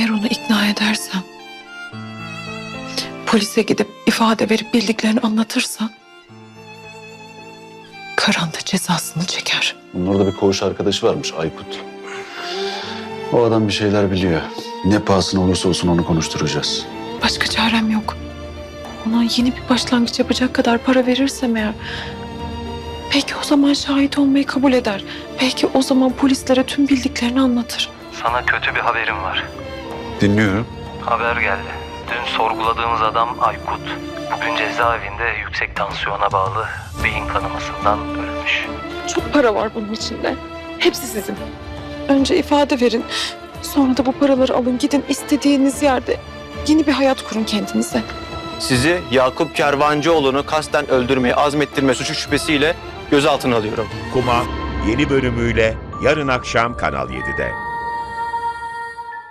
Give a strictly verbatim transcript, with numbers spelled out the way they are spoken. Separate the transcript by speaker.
Speaker 1: Eğer onu ikna edersen, polise gidip ifade verip bildiklerini anlatırsan, Karan da cezasını çeker.
Speaker 2: Bunun orada bir koğuş arkadaşı varmış, Aykut. O adam bir şeyler biliyor. Ne pahasına olursa olsun onu konuşturacağız.
Speaker 1: Başka çarem yok. Ona yeni bir başlangıç yapacak kadar para verirsem eğer, belki o zaman şahit olmayı kabul eder. Belki o zaman polislere tüm bildiklerini anlatır.
Speaker 3: Sana kötü bir haberim var.
Speaker 2: Dinliyorum.
Speaker 3: Haber geldi. Dün sorguladığımız adam Aykut. Bugün cezaevinde yüksek tansiyona bağlı beyin kanamasından ölmüş.
Speaker 1: Çok para var bunun içinde. Hepsi sizin. Önce ifade verin. Sonra da bu paraları alın, gidin istediğiniz yerde yeni bir hayat kurun kendinize.
Speaker 4: Sizi Yakup Kervancıoğlu'nu kasten öldürmeye azmettirme suçu şüphesiyle gözaltına alıyorum.
Speaker 5: Kuma yeni bölümüyle yarın akşam Kanal yedide.